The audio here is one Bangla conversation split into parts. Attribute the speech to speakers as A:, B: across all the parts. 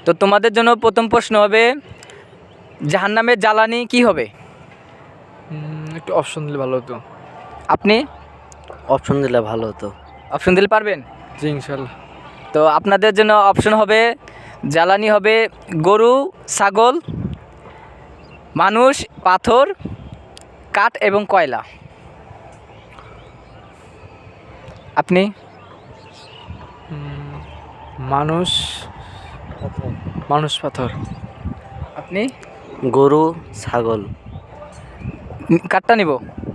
A: তো তোমাদের জন্য প্রথম প্রশ্ন হবে, জাহান্নামের জ্বালানি কি হবে?
B: একটু অপশন দিলে ভালো হতো।
A: আপনি
C: অপশন দিলে ভালো হতো।
A: অপশন দিলে পারবেন?
B: জি ইনশাল্লাহ।
A: তো আপনাদের জন্য অপশন হবে, জ্বালানি হবে গরু, ছাগল, মানুষ, পাথর, কাঠ এবং কয়লা। আপনি?
B: মানুষ পাথর।
A: আপনি?
C: গরু, ছাগল।
A: কাঠটা নিব?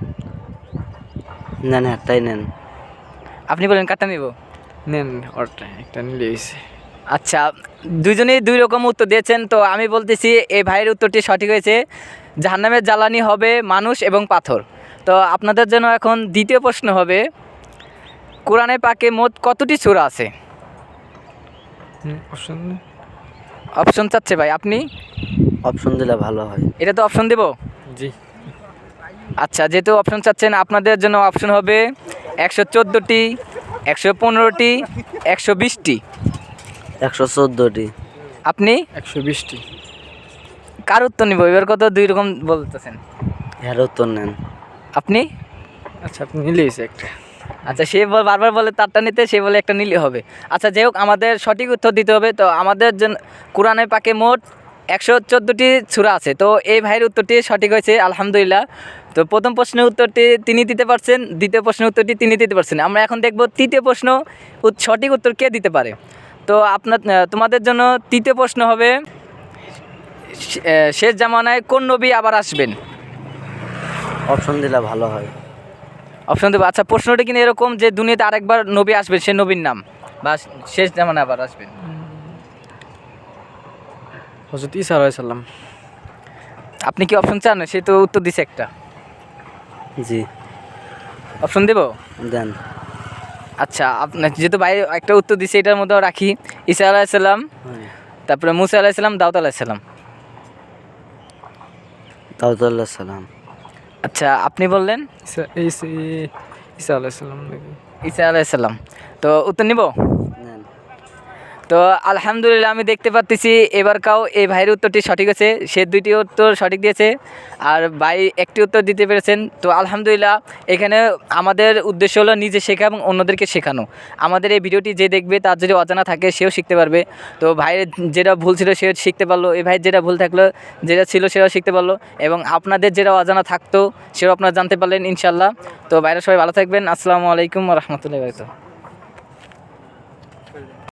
C: নেন একটাই নেন।
A: আপনি বলেন কাঠটা নিব?
B: নেন ওটা একটা নিলে হয়েছে।
A: আচ্ছা, দুজনেই দুই রকম উত্তর দিয়েছেন। তো আমি বলতেছি এই ভাইয়ের উত্তরটি সঠিক হয়েছে, জাহান্নামের জ্বালানি হবে মানুষ এবং পাথর। তো আপনাদের জন্য এখন দ্বিতীয় প্রশ্ন হবে, কোরআনে পাকে মোট কতটি সূরা আছে?
B: অপশন
A: অপশন চাচ্ছে ভাই, আপনি?
C: অপশন দিলে ভালো হয়।
A: এটা তো অপশন দেব?
B: জি।
A: আচ্ছা, যেহেতু অপশন চাচ্ছেন, আপনাদের জন্য অপশন হবে 114টি, 115টি, 120টি।
C: 114টি।
A: আপনি?
B: 120টি।
A: কার উত্তর নিব? এবার কত দুই রকম বলতেছেন।
C: এর উত্তর নেন।
A: আপনি?
B: আচ্ছা আপনি নিলে হয়েছে একটা।
A: আচ্ছা, সে বারবার বলে তারটা নিতে, সে বলে একটা নিলে হবে। আচ্ছা, যাই হোক, আমাদের সঠিক উত্তর দিতে হবে। তো আমাদের জন্য কোরআনে পাকে মোট 114টি সূরা আছে। তো এই ভাইয়ের উত্তরটি সঠিক হয়েছে, আলহামদুলিল্লাহ। তো প্রথম প্রশ্নের উত্তরটি তিনি দিতে পারছেন, দ্বিতীয় প্রশ্নের উত্তরটি তিনি দিতে পারছেন। আমরা এখন দেখব তৃতীয় প্রশ্ন সঠিক উত্তর কে দিতে পারে। তো তোমাদের জন্য তৃতীয় প্রশ্ন হবে, শেষ জামানায় কোন নবী আবার আসবেন?
C: অপশন দিলে ভালো হয়।
A: অপশন দেবো? আচ্ছা, প্রশ্নটা কিন্তু এরকম যে দুনিয়াতে আরেকবার নবী আসবেন, সে নবীর নাম, বা শেষ জামানায় আবার আসবেন।
B: হযরত ঈসা আলাইহিস সালাম।
A: আপনি কি অপশন চান? সে তো উত্তর দিছে একটা।
C: জি
A: অপশন দেব?
C: দেন।
A: আচ্ছা, আপনার যেহেতু ভাই একটা উত্তর দিছে, এটার মধ্যেও রাখি, ঈসা আলাইহিসসালাম, তারপরে মুসা আলাইহিসসালাম, দাউদ আলাইহিসসালাম।
C: দাউদ আলাইহিস সালাম।
A: আচ্ছা, আপনি বললেন
B: ঈসা আলাইহিস সালাম নাকি?
A: ঈসা আলাইহিসসালাম। তো উত্তর নিব?
C: নেন।
A: তো আলহামদুলিল্লাহ, আমি দেখতে পাচ্ছি এবারকাও এই ভাইয়ের উত্তরটি সঠিক আছে। সে দুইটি উত্তর সঠিক দিয়েছে, আর ভাই একটি উত্তর দিতে পেরেছেন। তো আলহামদুলিল্লাহ, এখানে আমাদের উদ্দেশ্য হলো নিজে শেখা এবং অন্যদেরকে শেখানো। আমাদের এই ভিডিওটি যে দেখবে, তার যদি অজানা থাকে, সেও শিখতে পারবে। তো ভাইয়ের যেটা ভুল ছিল সেও শিখতে পারলো, এই ভাইয়ের যেটা ভুল থাকলো, যেটা ছিল সেও শিখতে পারলো, এবং আপনাদের যেটা অজানা থাকতো সেও আপনারা জানতে পারলেন ইনশাল্লাহ। তো ভাইরা সবাই ভালো থাকবেন। আসসালামু আলাইকুম ওয়া রাহমাতুল্লাহি ওয়া বারাকাতুহু।